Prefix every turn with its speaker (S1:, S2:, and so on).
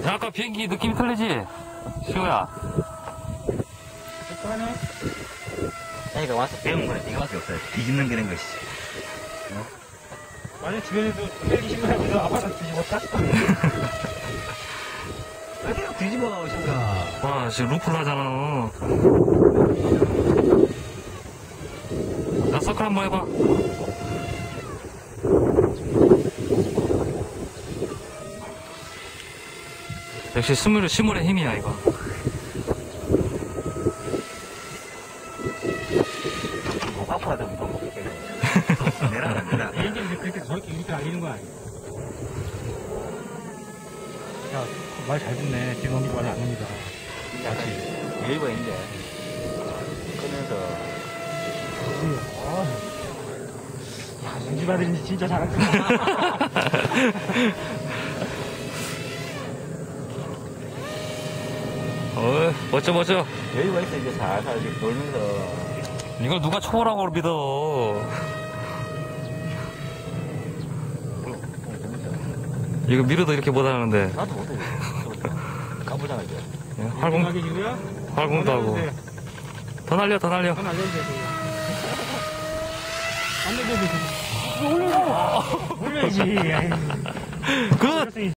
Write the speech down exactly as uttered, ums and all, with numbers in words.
S1: 야, 아까 비행기 느낌이 틀리지? 시우야.
S2: 하네.
S3: 자기가 와서 배운 거야. 네가 와서 없어요. 뒤집는 게는 것이지. 어?
S2: 만약 주변에서 헬기 신고하면서 아파트 뒤집었다?
S3: 왜 계속 뒤집어 오신가?
S1: 와, 지금 루프를 하잖아. 나 서클 한번 해봐. 역시 스물, 스물의 힘이야, 이거.
S3: 목 아파도 못 먹게. 내라, 내라.
S2: 비행기는 그렇게 저렇게 이렇게 알리는 거 아니야? 야, 말 잘 듣네. 뒤에 넘기고 말을 안 합니다.
S3: 같이 여유가 있는데. 끄면서.
S2: 아, 야, 윤집 아들인지 진짜 잘한다.
S1: 어, 멋져, 멋져.
S3: 여유가 있어, 이제 살살 이렇게 돌면서.
S1: 이걸 누가 초보라고 믿어. 이거 미르도 이렇게 못하는데.
S3: 나도 못해. 까부잖아, 이제.
S1: 활공,
S2: 생각이 지고요?
S1: 활공도 하고. 더 날려, 더 날려.
S2: 안 알려주세요. 안 알려주세요. 올려줘. 올려야지.
S1: 굿!